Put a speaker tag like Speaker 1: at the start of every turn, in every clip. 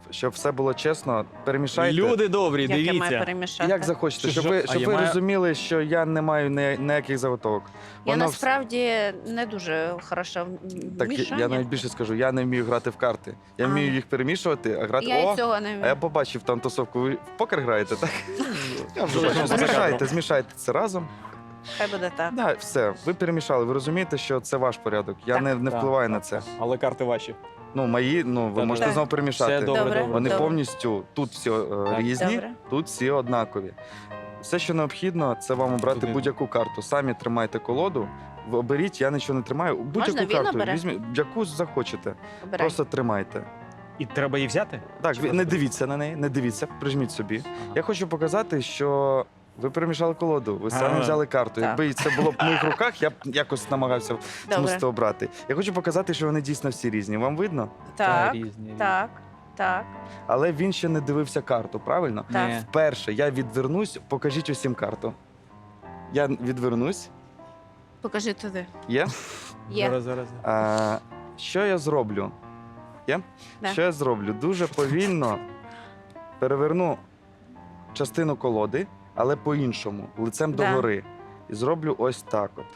Speaker 1: щоб все було чесно, перемішайте.
Speaker 2: Люди добрі,
Speaker 3: Як я маю
Speaker 2: дивіться.
Speaker 3: перемішати?
Speaker 1: Як захочете,
Speaker 2: Що,
Speaker 1: щоб ви,
Speaker 2: а
Speaker 1: щоб
Speaker 2: я
Speaker 1: ви
Speaker 2: маю-
Speaker 1: розуміли, що я не маю ніяких заготовок.
Speaker 3: Я
Speaker 1: Воно
Speaker 3: насправді не дуже хорошо
Speaker 1: Так,
Speaker 3: мішаю.
Speaker 1: я навіть більше скажу, я не вмію грати в карти. Я
Speaker 3: А.
Speaker 1: вмію їх перемішувати, а грати.
Speaker 3: Я і
Speaker 1: О,
Speaker 3: цього не
Speaker 1: а я
Speaker 3: вмію.
Speaker 1: побачив там тусовку. Ви в покер граєте, так?
Speaker 2: Я вже бачу за
Speaker 1: Змішайте,
Speaker 2: кадром.
Speaker 1: змішайте це разом.
Speaker 3: Хай буде так.
Speaker 1: Да, все, ви перемішали. Ви розумієте, що це ваш порядок. Я
Speaker 3: Так.
Speaker 1: не
Speaker 2: Так,
Speaker 1: впливаю
Speaker 2: так,
Speaker 1: на це.
Speaker 2: так. Але карти ваші.
Speaker 1: Ну, мої, ви
Speaker 2: Так.
Speaker 1: можете
Speaker 3: Так.
Speaker 1: знову перемішати.
Speaker 2: Все добре,
Speaker 3: Добре.
Speaker 2: добре.
Speaker 1: Вони
Speaker 3: Добре.
Speaker 1: повністю тут всі різні,
Speaker 3: Добре.
Speaker 1: тут всі однакові. Все, що необхідно, це вам обрати
Speaker 2: Туди.
Speaker 1: будь-яку карту. Самі тримайте колоду, ви оберіть, я нічого не тримаю. Будь-яку
Speaker 3: Можна він
Speaker 1: карту,
Speaker 3: обере?
Speaker 1: візьміть, яку захочете.
Speaker 3: Обирай.
Speaker 1: Просто тримайте.
Speaker 2: І треба її взяти?
Speaker 1: Так,
Speaker 2: Чи
Speaker 1: ви не
Speaker 2: просто-
Speaker 1: дивіться на неї, не дивіться, прижміть собі.
Speaker 2: Ага.
Speaker 1: Я хочу показати, що ви перемішали колоду, ви самі
Speaker 2: Ага.
Speaker 1: взяли карту.
Speaker 3: Так.
Speaker 1: Якби це було б в моїх руках, я б якось намагався
Speaker 3: Добре.
Speaker 1: змусити обрати. Я хочу показати, що вони дійсно всі різні. Вам видно?
Speaker 3: Так,
Speaker 2: Різні.
Speaker 3: так, так,
Speaker 1: Але він ще не дивився карту, правильно?
Speaker 3: так.
Speaker 2: Ні.
Speaker 1: Перше, я відвернусь, покажіть усім карту. Я відвернусь.
Speaker 3: Покажи туди.
Speaker 1: Є?
Speaker 3: Є.
Speaker 2: Зараз.
Speaker 1: Що я зроблю? Є?
Speaker 3: Да.
Speaker 1: Що я зроблю? Дуже повільно переверну частину колоди, але по-іншому, лицем
Speaker 3: Да.
Speaker 1: догори. І зроблю ось так от.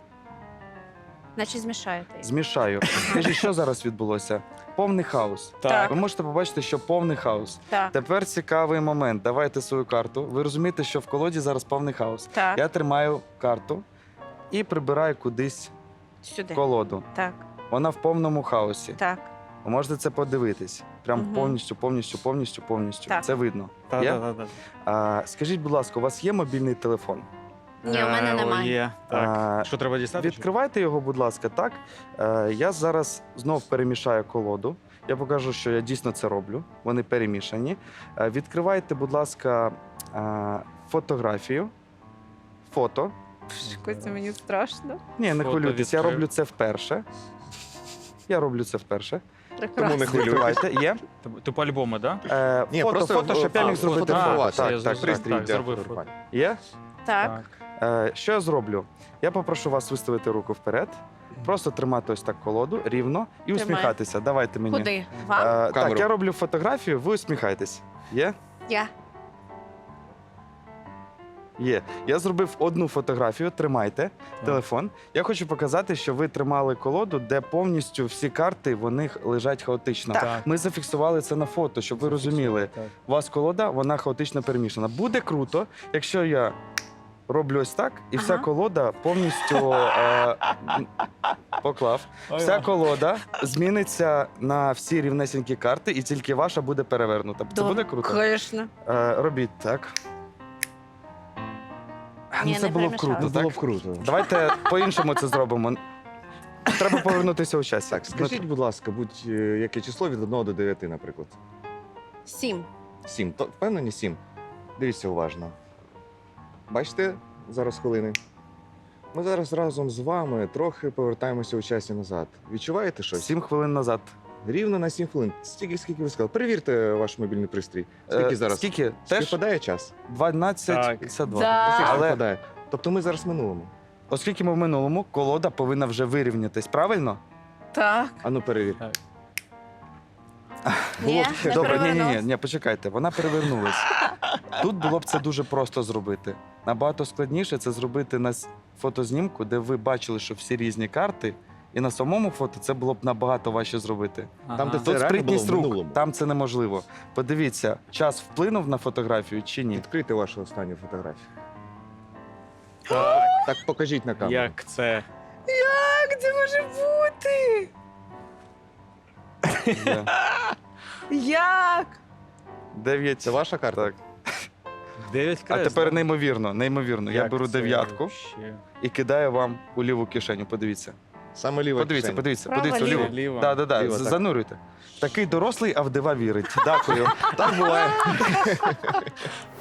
Speaker 3: Значить, змішаєте. їх.
Speaker 1: Змішаю. Скажіть, що зараз відбулося? Повний хаос.
Speaker 3: Так.
Speaker 1: Ви можете побачити, що повний хаос.
Speaker 3: Так,
Speaker 1: Тепер цікавий момент. Давайте свою карту. Ви розумієте, що в колоді зараз повний хаос.
Speaker 3: так.
Speaker 1: Я тримаю карту і прибираю кудись
Speaker 3: Сюди.
Speaker 1: колоду.
Speaker 3: Так,
Speaker 1: Вона в повному хаосі.
Speaker 3: так.
Speaker 1: Ви можете це подивитись. Прям
Speaker 3: Мгм.
Speaker 1: повністю.
Speaker 3: Так.
Speaker 1: Це видно. Є?
Speaker 2: Так.
Speaker 1: Скажіть, будь ласка, у вас є мобільний телефон?
Speaker 3: Ні, у мене немає.
Speaker 2: Є. Так. Що треба дістати?
Speaker 1: Відкривайте його, будь ласка, так. Я зараз знов перемішаю колоду. Я покажу, що я дійсно це роблю. Вони перемішані. Відкривайте, будь ласка, фотографію. Фото.
Speaker 3: Костя, мені страшно.
Speaker 1: Ні, не
Speaker 2: Фото
Speaker 1: хвилюйтесь, я
Speaker 2: відкрив.
Speaker 1: роблю це вперше. Я роблю це вперше.
Speaker 3: Прекрасно.
Speaker 4: не хвилюйтесь.
Speaker 1: Відкривайте. Є.
Speaker 2: Ти по альбому, так?
Speaker 4: Ні,
Speaker 1: Фото, щоб я міг зробити фото.
Speaker 4: фотографувати.
Speaker 2: я
Speaker 1: Так,
Speaker 2: зрозумів.
Speaker 1: пристрій.
Speaker 2: Так, зробив фото.
Speaker 4: Нормально.
Speaker 1: Є?
Speaker 3: Так,
Speaker 1: Що я зроблю? Я попрошу вас виставити руку вперед, просто тримати ось так колоду рівно і
Speaker 3: Тримаю.
Speaker 1: усміхатися. Давайте мені.
Speaker 3: куди? Вам?
Speaker 1: Так,
Speaker 4: Камеру.
Speaker 1: я роблю фотографію, ви усміхайтесь. Є?
Speaker 3: Я.
Speaker 1: Є. Я зробив одну фотографію, тримайте телефон. Я хочу показати, що ви тримали колоду, де повністю всі карти вони лежать хаотично.
Speaker 2: Так.
Speaker 1: Ми зафіксували це на фото, щоб ви розуміли.
Speaker 2: Так.
Speaker 1: У вас колода, вона хаотично перемішана. Буде круто, якщо я роблю ось так, і вся
Speaker 3: Ага.
Speaker 1: колода повністю поклав. Вся колода зміниться на всі рівнесенькі карти, і тільки ваша буде перевернута. Це буде круто?
Speaker 3: Звісно.
Speaker 1: Робіть так.
Speaker 3: Ні,
Speaker 1: Це
Speaker 3: не
Speaker 1: було б
Speaker 3: перемішала.
Speaker 1: круто,
Speaker 4: Було
Speaker 1: так?
Speaker 4: б круто.
Speaker 1: Давайте по-іншому це зробимо. Треба повернутися у часі.
Speaker 4: Так, скажіть, будь ласка, будь-яке число від 1 до 9, наприклад.
Speaker 3: 7.
Speaker 4: 7. То впевнені 7. Дивіться уважно. Бачите зараз хвилини? Ми зараз разом з вами трохи повертаємося у часі назад. Відчуваєте щось?
Speaker 1: 7 хвилин назад.
Speaker 4: Рівно на 7 хвилин. Стільки, скільки ви сказали. Перевірте ваш мобільний пристрій. Скільки зараз?
Speaker 1: Скільки? Теж
Speaker 4: Співпадає час?
Speaker 1: 12:52.
Speaker 3: Да.
Speaker 4: Скільки
Speaker 1: Але
Speaker 4: співпадає? Тобто ми зараз в минулому.
Speaker 1: оскільки ми в минулому, колода повинна вже вирівнятись, правильно?
Speaker 3: Так.
Speaker 4: Ану, перевір.
Speaker 3: Ні, не
Speaker 1: Добре,
Speaker 3: перевернулась.
Speaker 1: ні, почекайте, вона перевернулась. Тут було б це дуже просто зробити. Набагато складніше це зробити на фотознімку, де ви бачили, що всі різні карти, і на самому фото це було б набагато важче зробити.
Speaker 4: Там, де
Speaker 1: Тут
Speaker 4: реально
Speaker 1: спритність
Speaker 4: було в
Speaker 1: рук,
Speaker 4: минулому.
Speaker 1: там це неможливо. Подивіться, час вплинув на фотографію чи ні?
Speaker 4: Відкрийте вашу останню фотографію.
Speaker 2: Так.
Speaker 4: Так покажіть на камеру.
Speaker 2: Як це?
Speaker 3: Як це може бути?
Speaker 1: Є.
Speaker 3: Як?
Speaker 1: 9.
Speaker 4: Це ваша карта?
Speaker 1: Так.
Speaker 2: 9
Speaker 1: А
Speaker 2: крес.
Speaker 1: тепер
Speaker 2: да?
Speaker 1: неймовірно. Я
Speaker 2: Як
Speaker 1: беру
Speaker 2: це
Speaker 1: 9
Speaker 2: вообще?
Speaker 1: і кидаю вам у ліву кишеню. Подивіться.
Speaker 4: Саме ліва
Speaker 1: Подивіться,
Speaker 4: кишеня.
Speaker 1: подивіться,
Speaker 3: Право,
Speaker 1: подивіться у
Speaker 3: ліво.
Speaker 1: ліву.
Speaker 2: Ліво.
Speaker 1: Да,
Speaker 4: Ліво, так.
Speaker 1: занурюйте. Такий дорослий, а в дива вірить. Дякую.
Speaker 4: Так буває.